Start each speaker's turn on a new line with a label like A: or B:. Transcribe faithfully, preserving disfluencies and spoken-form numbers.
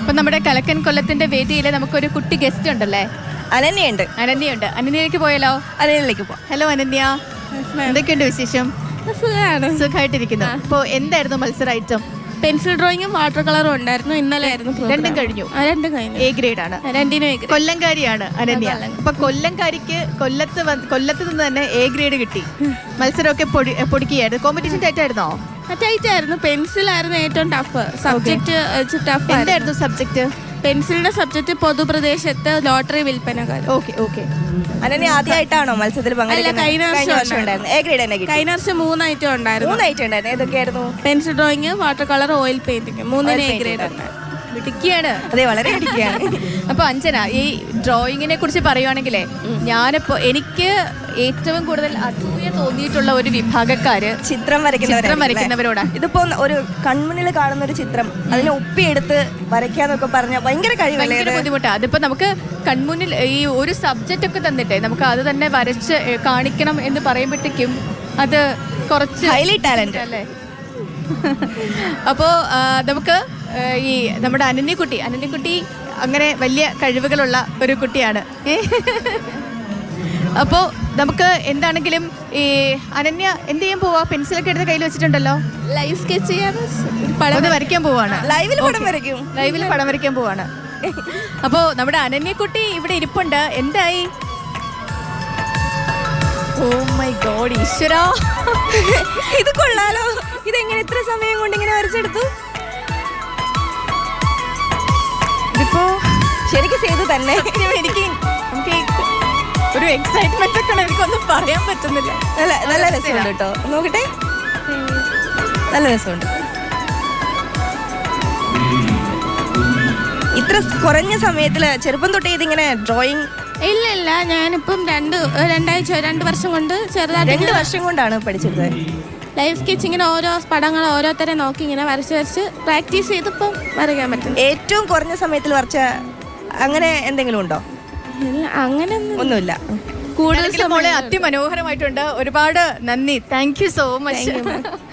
A: അപ്പൊ നമ്മുടെ കലക്കൻ കൊല്ലത്തിന്റെ വേദിയിൽ നമുക്കൊരു കുട്ടി ഗസ്റ്റ് ഉണ്ടല്ലേ?
B: അനന്യുണ്ട്.
A: അനന്യുണ്ട്. അനന്യയിലേക്ക് പോയാലോ?
B: അനന്യയിലേക്ക് പോവാം.
A: ഹലോ അനന്യ, എന്തൊക്കെയുണ്ട് വിശേഷം?
C: സുഖമാണ്.
A: സുഖമായിട്ടിരിക്കുന്നു. അപ്പോൾ എന്തായിരുന്നു മത്സര ഐറ്റം?
C: പെൻസിൽ ഡ്രോയിങ്ങും വാട്ടർ കളറും ഉണ്ടായിരുന്നു. ഇന്നലെ ആയിരുന്നു
A: രണ്ടും കഴിഞ്ഞു.
C: രണ്ടും കഴിഞ്ഞു.
A: എ ഗ്രേഡ് ആണ്.
C: രണ്ടിനും എ ഗ്രേഡ്.
A: കൊല്ലംകാരിയാണ് അനന്യ. അപ്പൊ കൊല്ലംകാരിക്ക് കൊല്ലത്ത് കൊല്ലത്ത് നിന്ന് തന്നെ എ ഗ്രേഡ് കിട്ടി. മത്സരമൊക്കെ പൊടി പൊടിക്കുകയായിരുന്നു. കോമ്പറ്റീഷൻ ടൈറ്റ് ആയിരുന്നോ?
C: ടൈറ്റ് ആയിരുന്നു. പെൻസിലായിരുന്നു ഏറ്റവും ടഫ് സബ്ജക്ട്. ടഫ്
A: എന്തായിരുന്നു സബ്ജക്ട്?
C: പെൻസിലിന്റെ സബ്ജക്ട് പൊതുപ്രദേശത്ത് ലോട്ടറി വിൽപ്പനക്കാർ.
A: Okay okay.
B: അനന്യ ആദ്യമായിട്ടാണോ മത്സരത്തിൽ പങ്കെടുക്കുന്നത്?
C: കഴിഞ്ഞ വർഷം
B: ഉണ്ടായിരുന്നു. എ ഗ്രേഡ് തന്നെ കിട്ടി.
C: കഴിഞ്ഞ വർഷം മൂന്ന് ഐറ്റം ഉണ്ടായിരുന്നു.
B: മൂന്ന് ഐറ്റം ഉണ്ടായിരുന്നു. ഏതൊക്കെയായിരുന്നു?
C: Pencil drawing, water colour, oil painting. മൂന്നിന് എ ഗ്രേഡ് ഉണ്ട്.
A: മിടുക്കിയാണ്.
B: അതെ, വളരെ മിടുക്കിയാണ്.
A: അപ്പൊ അഞ്ജന, ഈ ഡ്രോയിങ്ങിനെ കുറിച്ച് പറയുവാണെങ്കിലേ, ഞാനിപ്പോ എനിക്ക് ഏറ്റവും കൂടുതൽ അസൂയ തോന്നിയിട്ടുള്ള ഒരു വിഭാഗക്കാര്
B: ചിത്രം
A: ചിത്രം വരയ്ക്കുന്നവരോടാ.
B: ഇതിപ്പോ ഒരു കൺമുന്നിൽ കാണുന്ന ഒരു ചിത്രം അതിനെ ഒപ്പിയെടുത്ത് വരയ്ക്കാന്നൊക്കെ പറഞ്ഞ ഭയങ്കര കഴിവല്ലേ?
A: ഭയങ്കര ബുദ്ധിമുട്ടാണ്. അതിപ്പോ നമുക്ക് കൺമുന്നിൽ ഈ ഒരു സബ്ജക്റ്റ് ഒക്കെ തന്നിട്ടേ നമുക്ക് അത് തന്നെ വരച്ച് കാണിക്കണം എന്ന് പറയുമ്പോഴത്തേക്കും അത് കുറച്ച്
B: ഹൈലി ടാലന്റ്
A: അല്ലേ? അപ്പോ നമുക്ക് ഈ നമ്മുടെ അനന്യക്കുട്ടി അനന്യക്കുട്ടി അങ്ങനെ വലിയ കഴിവുകളുള്ള ഒരു കുട്ടിയാണ്. അപ്പോൾ നമുക്ക് എന്താണെങ്കിലും ഈ അനന്യ എന്ത് ചെയ്യാൻ പോവാ? പെൻസിലൊക്കെ എടുത്ത് കയ്യിൽ വെച്ചിട്ടുണ്ടല്ലോ.
C: ലൈവ് സ്കെച്ച് ചെയ്യാൻ
A: പടം വരയ്ക്കാൻ പോവാണ്.
B: ലൈവിൽ പടം വരയ്ക്കും.
A: ലൈവിൽ പടം വരയ്ക്കാൻ പോവാണ്. അപ്പോൾ നമ്മുടെ അനന്യക്കുട്ടി ഇവിടെ ഇരിപ്പുണ്ട്. എന്തായി? ഓ മൈ ഗോഡ്, ഈശ്വരാ,
B: ഇത് കൊള്ളാലോ. ഇതെങ്ങനെ ഇത്ര സമയം കൊണ്ട് ഇങ്ങനെ വരച്ചെടുത്തു?
A: ഇതിപ്പോ
B: ശരിക്കും ചെയ്തു തന്നെ.
A: എനിക്ക് നമുക്ക് ഒരു എക്സൈറ്റ്മെന്റ് ഒക്കെ എനിക്കൊന്നും പറയാൻ പറ്റുന്നില്ല.
B: നല്ല നല്ല രസമുണ്ട് കേട്ടോ. നോക്കട്ടെ, നല്ല രസമുണ്ട്. ഇത്ര കുറഞ്ഞ സമയത്തില് ചെറുപ്പം തൊട്ടേ ഇതിങ്ങനെ ഡ്രോയിങ്?
C: ഇല്ല ഇല്ല, ഞാനിപ്പം രണ്ട് രണ്ടാഴ്ച രണ്ട് വർഷം കൊണ്ട് ചെറുതായിട്ട്
B: രണ്ട് വർഷം കൊണ്ടാണ് പഠിച്ചെടുത്തത്.
C: ലൈവ് സ്കെച്ചിങ്ങിന് ഓരോ പടങ്ങൾ ഓരോരുത്തരെ നോക്കി ഇങ്ങനെ വരച്ച് വരച്ച് പ്രാക്ടീസ് ചെയ്തപ്പം വരയ്ക്കാൻ പറ്റും.
B: ഏറ്റവും കുറഞ്ഞ സമയത്തിൽ വരച്ച അങ്ങനെ എന്തെങ്കിലും ഉണ്ടോ?
C: അങ്ങനെ
B: ഒന്നുമില്ല.
A: കൂടുതൽ മോളെ അതിമനോഹരമായിട്ടുണ്ട്. ഒരുപാട് നന്ദി. Thank you so much.